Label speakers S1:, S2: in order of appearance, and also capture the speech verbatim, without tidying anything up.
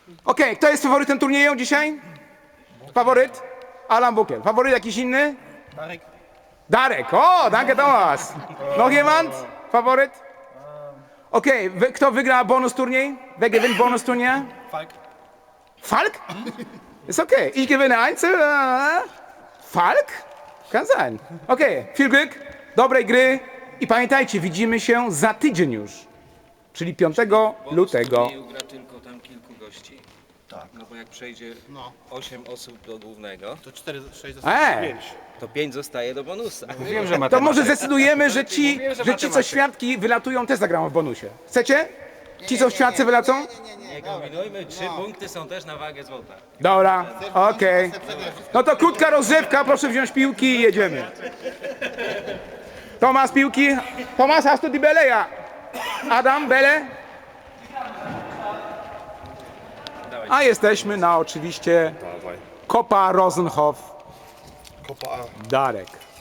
S1: Okej, kto jest faworytem turnieju dzisiaj? Faworyt? Alan Bukiel. Faworyt jakiś inny?
S2: Darek.
S1: Darek. O, danke Thomas. Noch jemand? Faworyt? Okej, wy- kto wygra bonus turniej? Wer gewinnt bonus turnier?
S2: Falk.
S1: Falk? Ist okay. Ich gewinne Einzel. äh, Falk? Kann sein. Okej, viel Glück, dobrej gry i pamiętajcie, widzimy się za tydzień już, czyli piątego lutego.
S3: turnieju gra tylko tam kilku gości.
S2: Tak.
S3: No bo jak przejdzie
S2: No.
S3: osiem osób do głównego,
S2: To cztery, sześć,
S1: Eee,
S3: to pięć zostaje do bonusa.
S4: Wiem, że
S1: to może zdecydujemy, że ci,
S4: Mówiłem, że
S1: że ci co
S4: matematyk.
S1: świadki wylatują, też zagramy w bonusie. Chcecie? Ci co świadcy wylecą?
S3: Nie kombinujmy, trzy punkty są też na wagę złota.
S1: Dobra, okej. No to krótka rozgrzewka, proszę wziąć piłki i jedziemy. Tomasz, piłki. Tomasz, hast du die Bälle? Ja. Adam, Bälle? A jesteśmy na oczywiście Kopa Rosenhof
S2: Kopa A.
S1: Darek.